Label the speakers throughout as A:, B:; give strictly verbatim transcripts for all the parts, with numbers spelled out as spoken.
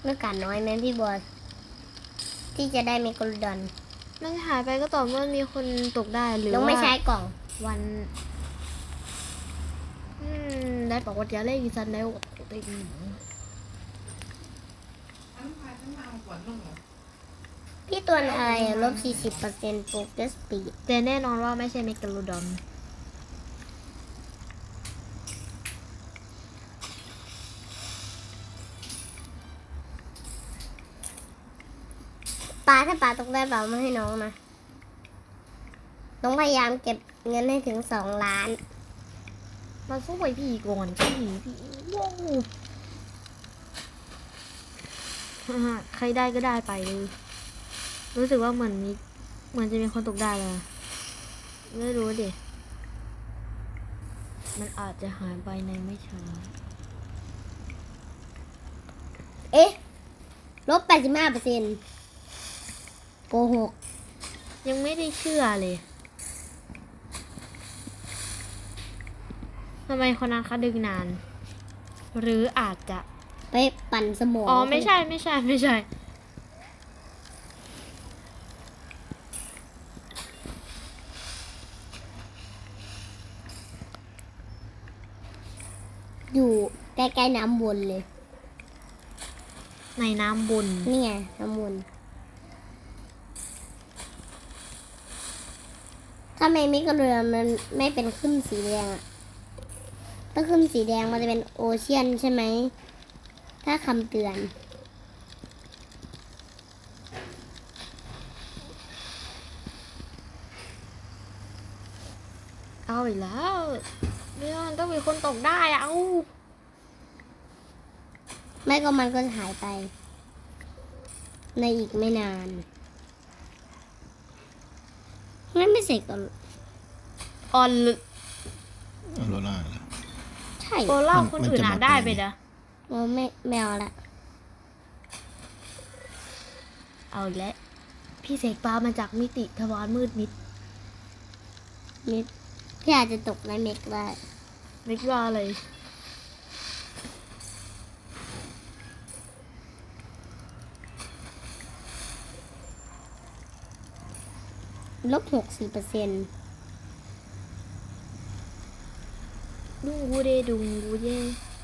A: โอกาสน้อยไหมพี่บอสที่จะได้เมกะโลดอน
B: มันหายไปก็ต่อเมื่อมีคนตกได้หรือ
A: น้อง
B: ว่า
A: ไม่ใช้กล่อง
B: วันอืมได้บอกว่าจะเล่นอีสันแล้วติด
A: พี่ตัวอะไรอะลบสี่สิบเปอร์เซ็นต์โปรเกรสปีด
B: แต่แน่นอนว่าไม่ใช่เมกาโลดอน
A: ปลาถ้าปลาตกได้เปล่ามาให้น้องนะน้องพยายามเก็บเงินให้ถึงสองล้าน
B: มาสู้ไปพี่ก่อนพี่พี่ว้าวฮ่าฮ่าใครได้ก็ได้ไปเลย รู้สึกว่าเหมือนมีเหมือนจะมีคนตกได้เลยไม่รู้ดิมันอาจจะหายไปในไม่ช้า
A: เอ๊ะลบแปดสิบห้าเปอร์เซ็นต์โกหก
B: ยังไม่ได้เชื่อเลยทำไมคนนั้นเขาดึงนาน หรืออาจจะ
A: ไปปั่นสมอง
B: อ๋อไม่ใช่ไม่ใช่ไม่ใช่
A: อยู่ใกล้ๆน้ำวนเลย
B: ในน้ำบุญ
A: นี่ไงน้ำวนถ้าไม่มิกระเรือมันไม่เป็นขึ้นสีแดงอะถ้าขึ้นสีแดงมันจะเป็นโอเชียนใช่ไหมถ้าคำเตือน
B: เอาอีกแล้วเรื่องต้องมีคนตกได้อะเอา
A: ไม่ก็มันก็จะหายไป ในอีกไม่นานงั้นไม่เสร็จก่อน
B: ออน
C: เอาโลล่าแล้ว
A: ใช่
B: โอเล่า
C: มัน
B: คน
C: มัน
B: อื่น
C: จะ
B: อ่าน
C: มา
B: ได้
C: เป็น
B: ไปนะ
A: โอ้ไม่ไม่เอาละ
B: เอาอีกแล้วพี่เสกปลามาจากมิติทวารมืดมิด
A: มิดพี่อาจจะตกในเมกได้
B: ไม่ว่าอะไร
A: ลบหกสิบเปอร์เซ็นต์
B: ดุงกูเดดุงกูเย่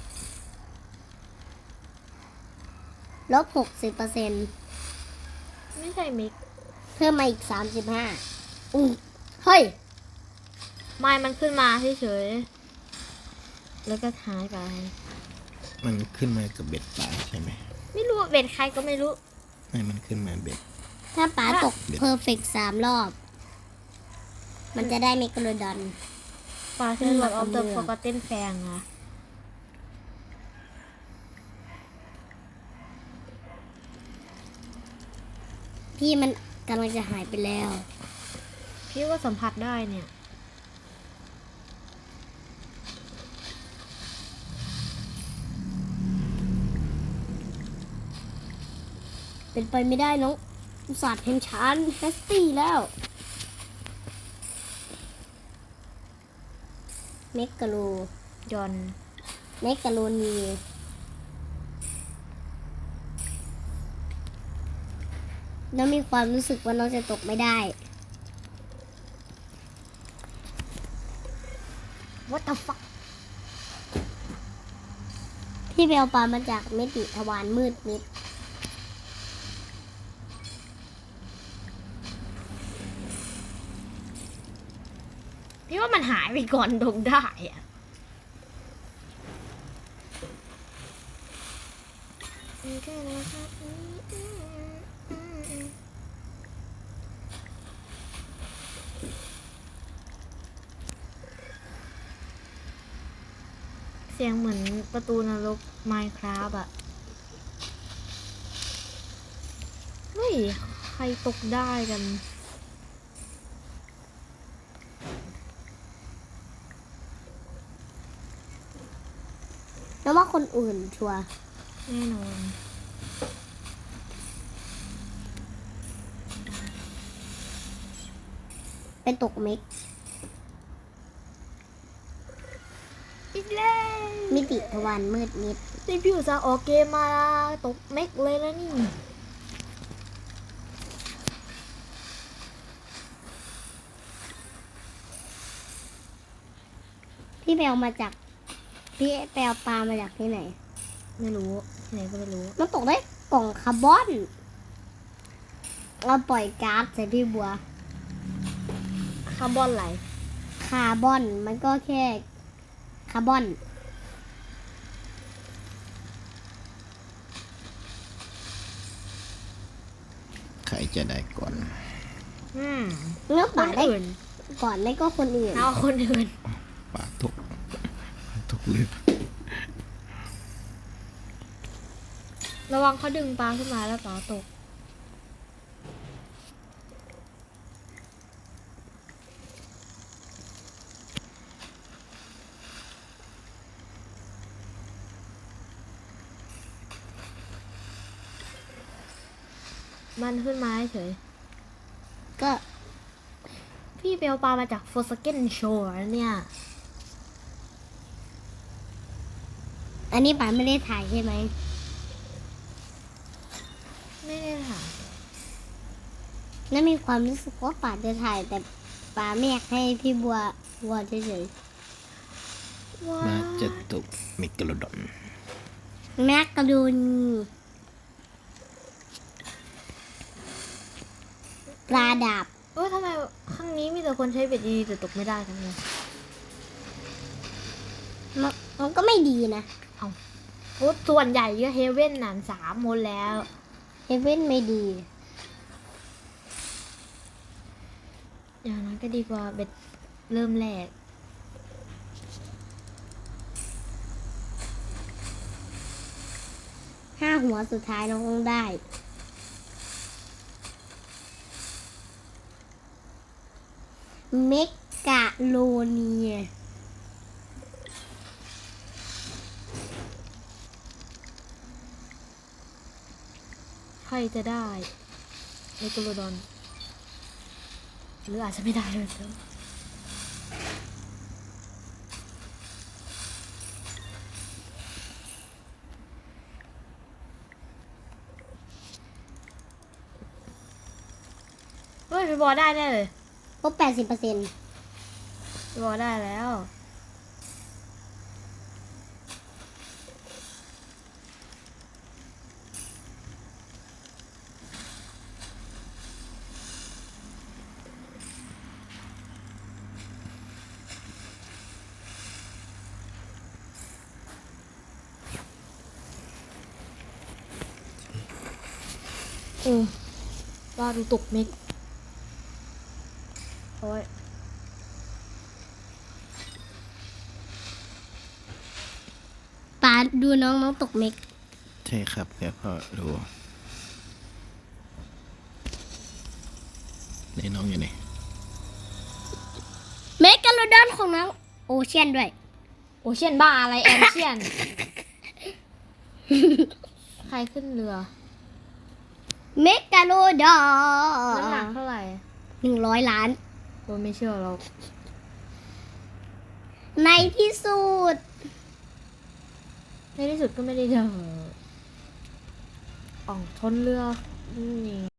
A: ลบหกสิบเปอร์เซ็นต์
B: ไม่ใช่มิก
A: เพิ่มมาอีกสามสิบห้าอุ้ยเฮ้ย
B: ไม่มันขึ้นมาเฉยๆแล้วก็หายไป
C: มันขึ้นมากับเบ็ดปลาใช่ไหม
B: ไม่รู้เบ็ดใครก็ไม่รู้
C: ไม่มันขึ้นมาเบ็ด
A: ถ้าป๋าตก
C: เบ็ด
A: เพอร์เฟกสามรอบ มันจะได้เมกะโลดอน
B: ปลาที่หลอดออฟเดอะฟอร์กเต้นแฟงอะ
A: พี่มันกำลังจะหายไปแล้ว
B: พี่ก็สัมผัสได้เนี่ย
A: เป็นไปไม่ได้น้องอุตส่าห์เห็นชานแฮสตี้แล้ว เมกะโล
B: ยอน
A: เมกะโลนีแล้วมีความรู้สึกว่าน้องจะตกไม่ได้
B: วัตถุฟัก
A: ที่ไปเอาปลามาจากมิติทวารมืดมิด
B: พี่ว่ามันหายไปก่อนตกได้อะเสียงเหมือนประตูนรก Minecraft อะเฮ้ย ใครตกได้กัน
A: แล้วว่าคนอื่นชัวร์
B: แน่นอน
A: เป็นตกเมก
B: อีกแล้ว
A: มิติทวารมืดมิด
B: นี่พี่อุตส่าห์ออกเกมมาตกเม็กเลยแล้วนี่
A: พี่ไปเอามาจาก พี่ไปเอาปลามาจากที่ไหน
B: ไม่รู้ที่ไหนก็ไม่รู้
A: มันตกได้กล่องคาร์บอน เราปล่อยก๊าซใส่พี่บัว
B: คาร์บอนไหล
A: คาร์บอนมันก็แค่คาร์บอน
C: ใครจะได้ก่อน
B: อืม
A: เนื้อ
B: ค
A: ป่าน ได้
B: อื่น
A: ก่อนไม่ก็คนอื่น
B: เอาคนอื่น
C: ปลาทุกทุกเรือ
B: ระวังเขาดึงปลาขึ้นมาแล้วปลาตก มันขึ้นมาเฉย
A: ก็
B: พี่ไปเอาปลามาจาก Forsaken Shore เนี่ย
A: อันนี้ป่านไม่ได้ถ่ายใช่ไหม
B: ไม่ได้ค่ะ
A: แล้วมีความรู้สึกว่าป่านจะถ่ายแต่ป่าไม่อยากให้พี่บัวบัวเฉย
B: ว้า
C: น่าจะตกเมกะโลดอน
A: ๆแมกกาโดนปลาดาบ
B: เอ้ยทำไมข้างนี้มีแต่คนใช้เบ็ดดีๆแต่ตกไม่ได้ทั้งนั้น
A: มันมันก็ไม่ดีนะ
B: โอ้ส่วนใหญ่ก็เฮเว่นน่ะสามหมดแล้ว
A: เฮเว่นไม่ดี
B: อย่างนั้นก็ดีกว่าเบ็ดเริ่มแรก
A: ห้าหัวสุดท้ายน้องคงได้ เมกะโลเนีย
B: ใครจะได้เมกาโลดอน หรืออาจจะไม่ได้เลยเนอะเฮ้ยพี่บอลได้แน่เลย
A: ก็แปดสิบเปอร์เซ็นต์
B: พี่บอลได้แล้ว เออว่าดูตกเม็กโอ้ย
A: ปาดูน้องน้องตกเมก
C: ใช่ครับแล้วก็ดูในน้องอยู่ไหน
A: เมกะโลดอนของน้องโอเชียนด้วย
B: โอเชียนบ้าอะไรแอนเชียน ใครขึ้นเรือ
A: เมกะโลดอ
B: น้ำหนัก
A: น
B: เท่าไหร่
A: หนึ่งร้อยล้าน
B: โอ้ไม่เชื่อเรา
A: ในที่สุด
B: ในที่สุดก็ไม่ได้เจออ่องชนเรือนี่